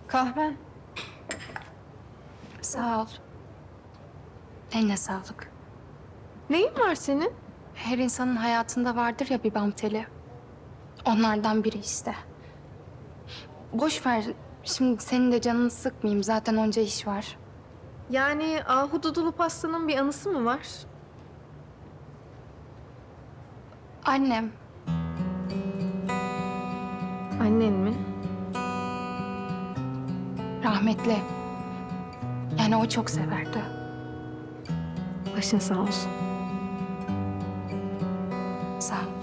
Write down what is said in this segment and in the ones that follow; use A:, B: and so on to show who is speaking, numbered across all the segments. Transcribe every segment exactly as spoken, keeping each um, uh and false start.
A: Kahven.
B: Sağ ol. Eline sağlık.
A: Neyin var senin?
B: Her insanın hayatında vardır ya bir bam teli. Onlardan biri işte. Boş ver. Şimdi senin de canını sıkmayayım. Zaten onca iş var.
A: Yani ahududulu pastanın bir anısı mı var?
B: Annem.
A: Annen mi?
B: Rahmetli. Yani o çok severdi.
A: Başın sağ olsun.
B: Sağ ol.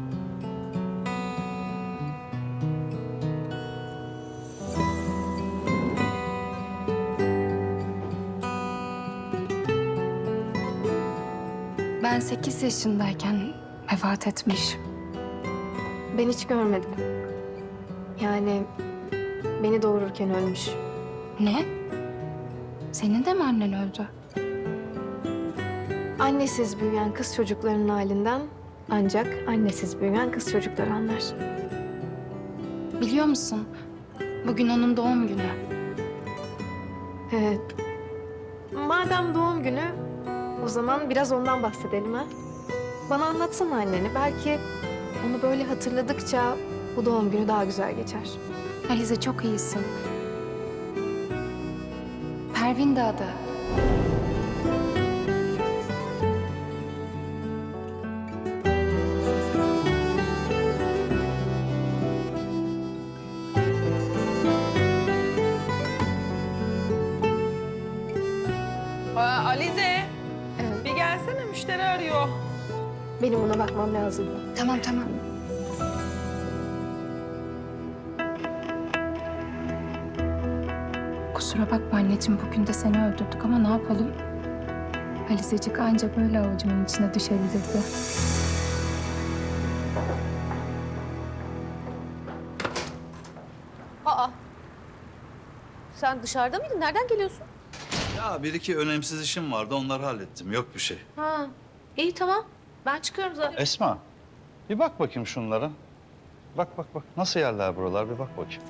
B: Ben sekiz yaşındayken vefat etmiş.
A: Ben hiç görmedim. Yani beni doğururken ölmüş.
B: Ne? Senin de mi annen öldü?
A: Annesiz büyüyen kız çocuklarının halinden ancak annesiz büyüyen kız çocukları anlar.
B: Biliyor musun? Bugün onun doğum günü.
A: Evet. Madem doğum günü, o zaman biraz ondan bahsedelim ha. Bana anlatsana anneni. Belki onu böyle hatırladıkça bu doğum günü daha güzel geçer.
B: Alize çok iyisin. Pervin de adı.
C: Aa, Alize,
A: Evet.
C: bir gelsene müşteri arıyor.
A: Benim ona bakmam lazım.
B: Tamam tamam. Kusura bakma anneciğim, bugün de seni öldürdük ama ne yapalım? Alizecik anca böyle avucumun içine düşebilirdi.
D: Aa. Sen dışarıda mıydın? Nereden geliyorsun?
E: Ya bir iki önemsiz işim vardı, onları hallettim. Yok bir şey.
D: Ha. İyi tamam. Ben çıkıyorum zaten.
E: Esma, bir bak bakayım şunlara. Bak bak bak, nasıl yerler buralar, bir bak bakayım.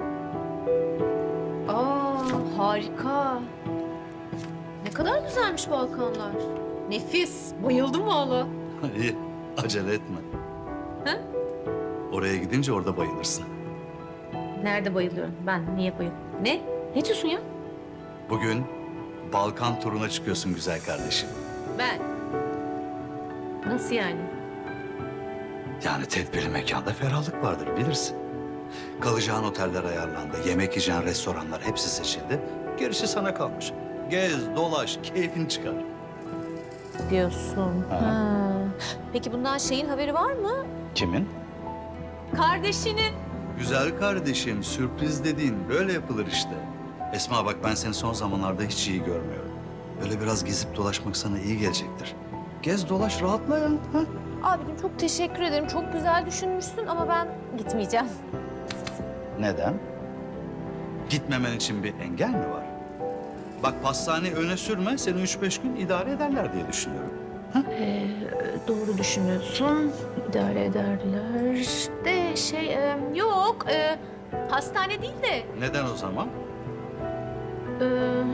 D: Aa, harika. Ne kadar güzelmiş Balkanlar. Nefis. Bayıldım valla.
E: İyi, acele etme.
D: He?
E: Oraya gidince orada bayılırsın.
D: Nerede bayılıyorum? Ben niye bayılıyorum? Ne? Ne diyorsun ya?
E: Bugün Balkan turuna çıkıyorsun güzel kardeşim.
D: Ben. Nasıl yani?
E: Yani tedbirli mekanda ferahlık vardır, bilirsin. Kalacağın oteller ayarlandı, yemek yiyeceğin restoranlar hepsi seçildi. Gerisi sana kalmış. Gez, dolaş, keyfin çıkar.
D: Diyorsun.
E: Ha.
D: Ha. Peki bundan şeyin haberi var mı?
E: Kimin?
D: Kardeşinin.
E: Güzel kardeşim, sürpriz dediğin böyle yapılır işte. Esma bak, ben seni son zamanlarda hiç iyi görmüyorum. Böyle biraz gezip dolaşmak sana iyi gelecektir. Gez dolaş, rahatla ya. Ha?
D: Abicim çok teşekkür ederim. Çok güzel düşünmüşsün ama ben gitmeyeceğim.
E: Neden? Gitmemen için bir engel mi var? Bak pastaneyi öne sürme, seni üç beş gün idare ederler diye düşünüyorum.
D: Ee, doğru düşünüyorsun. İdare ederler. De şey e, yok. E, hastane değil de.
E: Neden o zaman?
D: e,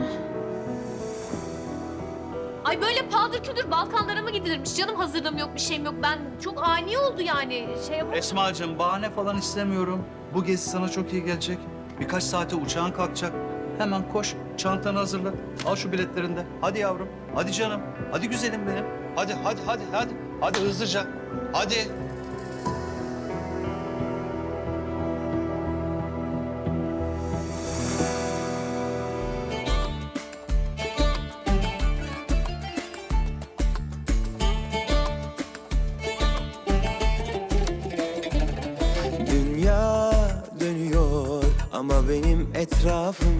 D: ay böyle paldır küldür Balkanlara mı gidilirmiş? Canım hazırlığım yok, bir şeyim yok. Ben çok ani oldu yani. Şey yapamam.
E: Esma'cığım bahane falan istemiyorum. Bu gezi sana çok iyi gelecek. Birkaç saate uçağın kalkacak. Hemen koş, çantanı hazırla. Al şu biletlerini de. Hadi yavrum, hadi canım, hadi güzelim benim. Hadi, hadi, hadi, hadi. Hadi hızlıca, hadi.
F: Dünya dönüyor ama benim etrafım